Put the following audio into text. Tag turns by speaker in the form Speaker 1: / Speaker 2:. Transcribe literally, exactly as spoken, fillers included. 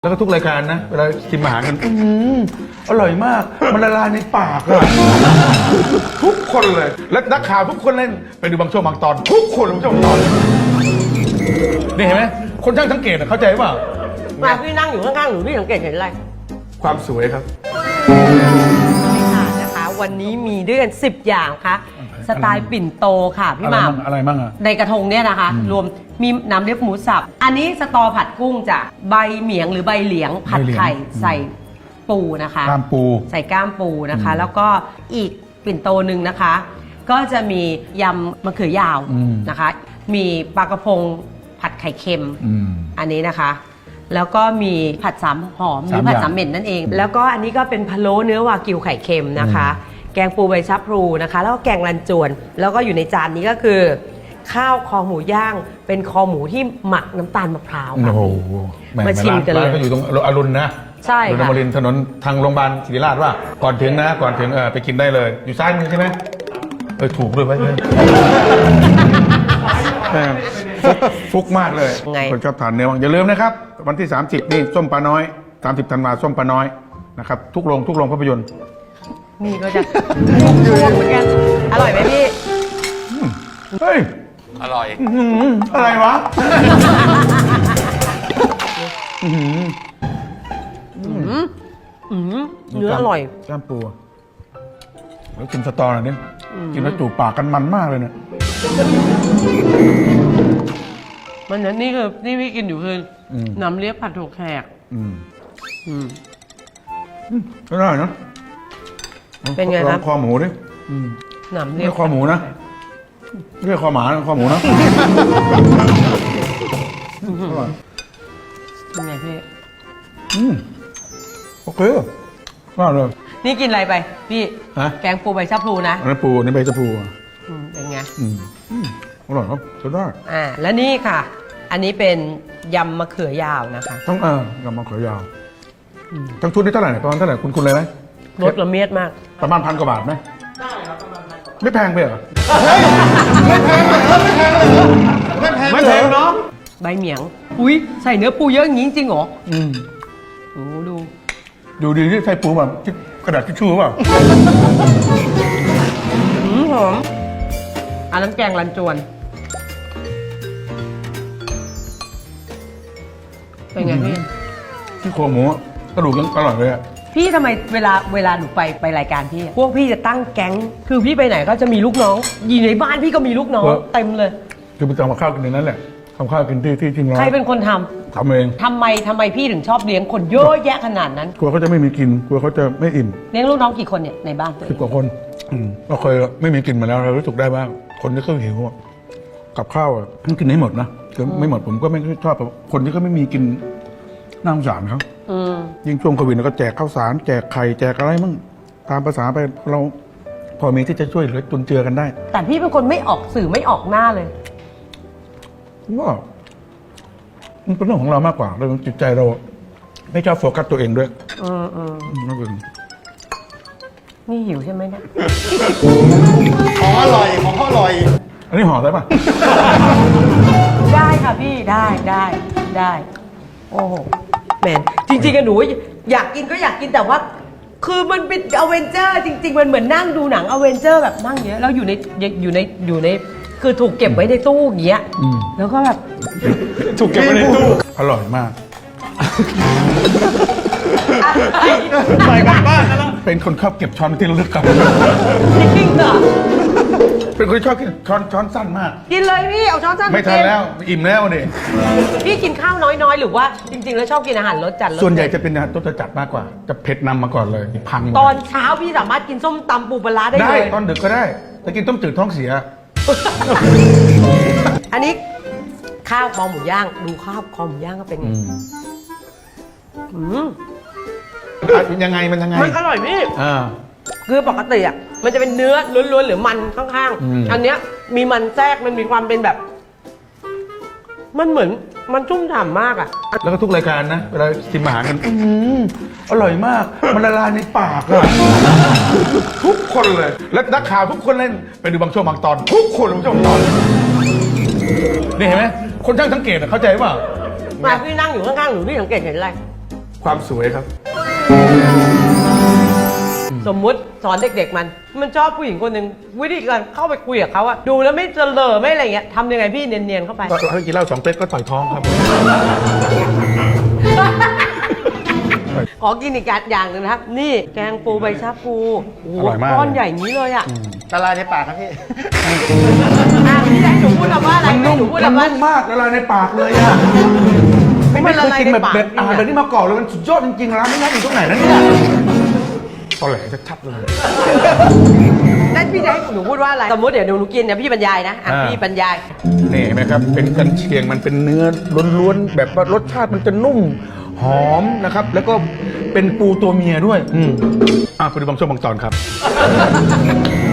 Speaker 1: แล้วก็ทุกรายการนะเวลาชิมอาหารกันอืมอร่อยมากมันละลายในปากอะทุกคนเลยและนักข่าวทุกคนเล่นไปดูบางช่วงบางตอนทุกคนบางช่วงบางตอนนี่เห็นไหมคนช่างสังเกตเข้าใจเปล่า
Speaker 2: มาพี่นั่งอยู่ข้างๆหนูพี่สังเกตเห็นอะไร
Speaker 1: ความสวยครับ
Speaker 2: ค่ะนะคะวันนี้มีด้วยกันสิบอย่างค่ะสไตล์ปิ่นโตค่ะพี่หม่ำ
Speaker 1: อะไรมั่งอะ
Speaker 2: ในกระทงเนี่ยนะคะ รวมมีน้ำเลียบหมูสับอันนี้สตอผัดกุ้งจ้ะใบเหมียงหรือใบเหลียงผัดไข่ใส่ปูนะคะ
Speaker 1: กล้ามปู
Speaker 2: ใส่ก้ามปูนะคะ แล้วก็อีกปิ่นโตหนึ่งนะคะ ก็จะมียำมะเขือยาวนะคะ มีปลากระพงผัดไข่เค็ม
Speaker 1: อืม
Speaker 2: อันนี้นะคะ แล้วก็มีผัดสามหอมหรือผัดสามเหม็นนั่นเอง แล้วก็อันนี้ก็เป็นพะโล้เนื้อวากิวไข่เค็มนะคะ แกงปูใบชะพลูนะคะ แล้วก็แกงรันจวน แล้วก็อยู่ในจานนี้ก็คือ ข้าวคอหมูย่าง เป็นคอหมูที่หมักน้ำตาลมะพร้าวค่ะ
Speaker 1: โอ้โหแ
Speaker 2: มาชิมกันเลย
Speaker 1: ร้านก็อยู่ตรงอรุณนะ
Speaker 2: ใช่
Speaker 1: อรุณ
Speaker 2: ค่ะ
Speaker 1: อมรินทร์ถนนทางโรงพยาบาลศิริราชว่าก่อนถึงนะก่อนถึงเออไปกินได้เลย อยู่ซ้ายมือใช่ไหมเออถูกด้วยไหมเนี่ยแม่งฟุกฟุกมากเลย
Speaker 2: ไง
Speaker 1: คนชอบทานเนื้ออย่าลืมนะครับ วันที่ สามสิบนี่ส้มปลาน้อย สามสิบธันวาส้มปลาน้อยนะครับทุกโรงทุกโรงภาพยนตร์
Speaker 2: นี่ก็จะช่วงเหมือนกัน อร่อยไหมพี่
Speaker 1: เฮ้ย
Speaker 3: อร่อย
Speaker 1: อื้อหืออะไรวะอื้อหือ
Speaker 2: อืมเนื้ออร่อย
Speaker 1: กล้ามปูอะแล้วกินสตอหน่อยนี่กินแล้วจูบปากกันมันมากเลยเนี่ย
Speaker 2: มันนั้นนี่คือนี่พี่กินอยู่คืออ
Speaker 1: ม
Speaker 2: น้ำเลียบผัดถั่วแขก
Speaker 1: อืม
Speaker 2: อืม
Speaker 1: ก็ได้นะ
Speaker 2: เป็นไงครับ
Speaker 1: ลอคอหมูดิอืม
Speaker 2: น้ำเลี
Speaker 1: ไม่
Speaker 2: ยบ
Speaker 1: ใช่คอหมูนะไม่ใช่คอหมานะคอหมูนะอร่อย
Speaker 2: เป็นไงพี่
Speaker 1: อืมโอเคน่าเลย
Speaker 2: นี่กินอะไรไป พี่
Speaker 1: ฮะ
Speaker 2: แกงปูใบชะพลูนะ
Speaker 1: อันนั้นปูอันนี้ใบชะพูอ่ะ
Speaker 2: อืมเป็นไง
Speaker 1: อืมอืมอร่อยครับใช้ได้
Speaker 2: อ่า และนี่ค่ะ อันนี้เป็นยำมะเขือยาวนะคะ
Speaker 1: ต้องเออยำมะเขือยาวทั้งชุดนี้เท่าไหร่เนี่ยประมาณเท่าไหร่คุณคุณเลยไหม
Speaker 2: รสละเมียดมาก
Speaker 1: ประมาณพันกว่าบาทไหมได้ครับประมาณพันไม่แพงไปเหรอไม่แพงเนาะ
Speaker 2: ใบเหมียง อุ้ยใส่เนื้อปูเยอะอย่างนี้จริงๆเหรอ
Speaker 1: อืม
Speaker 2: โอ้ดู
Speaker 1: ดูดีที่ใส่ปูแบบที่กระดาษทิชชู่เปล่า
Speaker 2: อืมหอมอันนั้นแกงรันจวน เป็นไงพี่
Speaker 1: ที่โครงหมูกระดูกยังอร่อยเลยอ่ะ
Speaker 2: พี่ทำไมเวลาเวลาหนูไปไปรายการพี่อะพวกพี่จะตั้งแก๊ง คือพี่ไปไหนก็จะมีลูกน้องอยู่ในบ้านพี่ก็มีลูกน้องเต็มเลย
Speaker 1: คือไปทำกับข้าวกินในนั้นแหละทำข้าวกินที่ที่ทิ้งร้อน
Speaker 2: ใครเป็นคนทำ
Speaker 1: ทำเอง
Speaker 2: ทำไมทำไมพี่ถึงชอบเลี้ยงคนเยอะแยะขนาดนั้น
Speaker 1: กลัวเขาจะไม่มีกินกลัวเขาจะไม่อิ่ม
Speaker 2: เลี้ยงลูกน้องกี่คนเนี่ยในบ้านตัวเอ
Speaker 1: สิบ
Speaker 2: ง
Speaker 1: กว่าคนอืมเราเคยไม่มีกินมาแล้วเรารู้สึกได้ว่าคนที่เขาหิวอะกับข้าวอ่ะต้องกินให้หมดนะคือไม่หมดผมก็ไม่ชอบคนที่เขาไม่มีกินน่าสงสารเขา
Speaker 2: อืม
Speaker 1: ยิ่งช่วงโควิดเราก็แจกข้าวสารแจกไข่แจกอะไรมั่งตามภาษาไปเราพอมีที่จะช่วยเหลือจุนเจือกันได้
Speaker 2: แต่พี่เป็นคนไม่ออกสื่อไม่ออกหน้าเลย
Speaker 1: ก็มันเป็นเรื่องของเรามากกว่าเราจิตใจเราไม่ชอบโฟกัสตัวเองด้วย
Speaker 2: อืมอืม
Speaker 1: นั่นเอง
Speaker 2: นี่หิวใช่ไหมเนี่ย
Speaker 3: ของอร่อย ของอร่อย
Speaker 1: อันนี้ห่อได้ปะ
Speaker 2: ได้ค่ะพี่ได้ได้ได้ โอ้โหแมนจริงๆอะหนูอยากกินก็อยากกินแต่ว่า คือมันเป็นอเวนเจอร์จริง ๆ มันเหมือนนั่งดูหนังอเวนเจอร์แบบนั่งเยอะแล้วอยู่ในอยู่ในอยู่ในคือถูกเก็บไว้ในตู้อย่างเงี้ยแล้วก็แบบ
Speaker 1: ถูกเก็บไว้ในตู้อร่อยมากใส่กันบ้านแล้วเป็นคนชอบเก็บช้อนที่ระลึกกับ
Speaker 2: จริงเหรอ
Speaker 1: เป็นคนชอบกินช้อนช้อนสั้นมาก
Speaker 2: กินเลยพี่เอาช้อนสั้น
Speaker 1: ไม่ทันแล้วอิ่มแล้วดิ
Speaker 2: พี่กินข้าวน้อยๆ หรือว่าจริง ๆ แล้วชอบกินอาหารรสจัดรส
Speaker 1: ส่วนใหญ่จะเป็นอาหารรสจัดมากกว่า จะเผ็ดนำมาก่อนเลยพัง
Speaker 2: ตอนเช้าพี่สามารถกินส้มตำปูปลาร้าได้
Speaker 1: ได้
Speaker 2: เลย
Speaker 1: ตอนดึกก็ได้แต่กินต้มจืดท้องเสีย
Speaker 2: อันนี้ข้าวคอหมูย่างดูข้าวคอหมูย่างก็เป็นไงอืม
Speaker 1: อ่ะยังไงมันยังไง
Speaker 2: มันอร่อยพี่
Speaker 1: อ่า
Speaker 2: คือปกติอ่ะมันจะเป็นเนื้อล้วนๆหรือมันข้าง
Speaker 1: อืม
Speaker 2: ๆ อันเนี้ยมีมันแทรกมันมีความเป็นแบบ มันเหมือนมันชุ่มฉ่ำมากอ่ะ
Speaker 1: แล้วก็ทุกรายการนะเวลาชิมอาหารกันอืมอร่อยมากมันละลายในปากอะทุกคนเลยและนักข่าวทุกคนเล่นไปดูบางช่วงบางตอนทุกคนบางช่วงบางตอนนี่เห็นไหมคนช่างสังเกตอะเข้าใจเปล่า
Speaker 2: มาพี่นั่งอยู่ข้างๆหนูพี่สังเกตเห็นอะไร
Speaker 1: ความสวยครับ
Speaker 2: สมมุติสอนเด็กๆมัน มันชอบผู้หญิงคนหนึ่งวิธีการเข้าไปคุยกับเขาอะดูแล้วไม่เจริญไม่อะไรเงี้ยทำยังไงพี่เนียนๆเข้าไป
Speaker 1: ก็ให้กินเหล้าสองเป๊กก็ต่อยท้องครับ
Speaker 2: ขอกินอีกอย่างหนึ่งนะครับ นี่แกงปูใบชะพูโอ้โห
Speaker 1: อร่อยมาก
Speaker 2: ก้อนใหญ่อย่างนี้เลยอะ
Speaker 3: ละลายในปากครับพี่
Speaker 2: อ่ะพี่ให้หนูพูดคำว่าอะไร
Speaker 1: มัน
Speaker 2: ให้
Speaker 1: นุ่ม
Speaker 2: หนูพูด
Speaker 1: มัน
Speaker 2: คำว่า
Speaker 1: นุ่มมากละลายในปากเลยอ่ะ
Speaker 2: ไม่
Speaker 1: ไม่
Speaker 2: ละ
Speaker 1: เคย
Speaker 2: ลาย
Speaker 1: กิน
Speaker 2: ใน
Speaker 1: แบบ
Speaker 2: ปาก
Speaker 1: แบบอาหารแบบนี้มาก่อนเลยมันสุดยอดจริงๆร้านนี้นะอยู่ตรงไหนนะเนี่ยตอแหลชัดๆเลย
Speaker 2: นั่นพี่จะให้หนูพูดว่าอะไร สมมติเดี๋ยวหนูกินเนี่ยพี่บรรยายนะอ่ะ
Speaker 1: อ่า
Speaker 2: พี่บรรยาย
Speaker 1: นี่เห็นไหมครับ เป็นกันเชียงมันเป็นเนื้อล้วนๆแบบว่ารสชาติมันจะนุ่มหอมนะครับ แล้วก็เป็นปูตัวเมียด้วย อืมอ่ะไปดูบางช่วงบางตอนครับ